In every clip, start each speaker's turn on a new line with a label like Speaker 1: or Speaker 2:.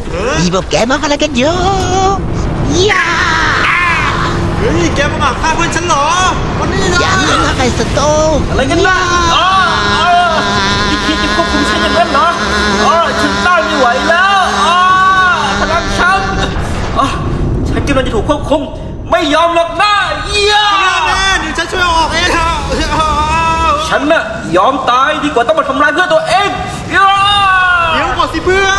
Speaker 1: อีพวกแกมาอะไรกันอยู่ย่า
Speaker 2: เฮ้ยแกมาฆ่าเพื่อนฉันเหรอวันนี้นะ
Speaker 1: อย่าเล่นอะไรสโต
Speaker 3: อะไรกันนะนี่คิดจะควบคุมฉันอย่างนั้นเหรอฉันต้านไม่ไหวแล้วพลังฉันกำลังจะถูกควบคุมไม่ยอมหรอกนะ
Speaker 2: แม่เดี๋ยวฉันช่วยออกเอง
Speaker 3: ฉันน่ะยอมตายดีกว่าต้องมาทำลายเพื่อนตัวเอง
Speaker 2: เดี๋ยวก่อนสิเพื่อน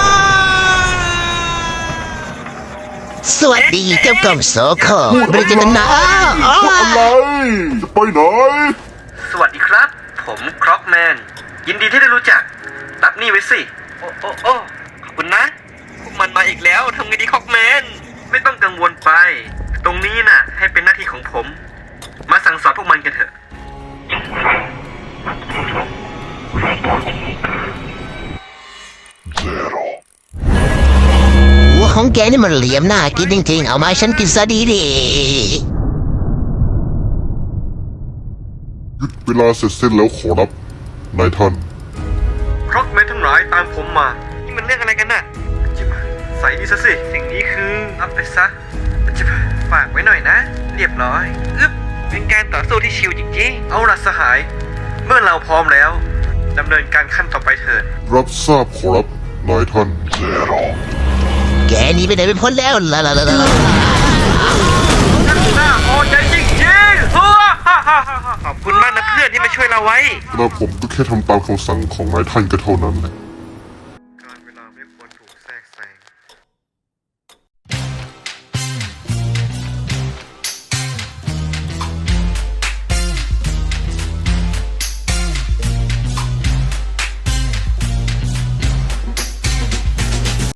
Speaker 1: สวัสดีเจ้ากรมโสโครบริจนา
Speaker 4: อะไรจะไปไหน
Speaker 3: สวัสดีครับผมคร็อกแมนยินดีที่ได้รู้จักรับนี่ไว้สิโอ้ขอบคุณนะพวกมันมาอีกแล้วทำไงดีคร็อกแมนไม่ต้องกังวลไปตรงนี้น่ะให้เป็นหน้าที่ของผมมาสั่งสอนพวกมันกันเถอะ
Speaker 1: หัวของแกนี่มันเหลี่ยมหน้ากินจริงๆเอามาฉันกินซะดี
Speaker 4: หยุดเวลาเสร็จสิ้นแล้วขอรับนายท่าน
Speaker 3: คร็อกแมนทั้งหลายตามผมมานี่มันเรื่องอะไรกันน่ะใส่นี่ซะสิสิ่งนี้คือรับไปซะฝากไว้หน่อยนะเรียบร้อยเป็นการต่อสู้ที่ชิวจริงๆเอาล่ะสหายเมื่อเราพร้อมแล้วดำเนินการขั้นต่อไปเถิด
Speaker 4: รับทราบขอรับนายท่าน
Speaker 1: ๆแกหนีไปไหนไม่พ้นแล้วล่ะ
Speaker 3: น่าพอใจจริงๆขอบคุณมากนะเพื่อนที่มาช่วยเราไว้
Speaker 4: แล้วผมก็แค่ทำตามคำสั่งของนายท่านก็เท่านั้นแหละ
Speaker 3: การเวลาไม่ควรถูกแทรกแซง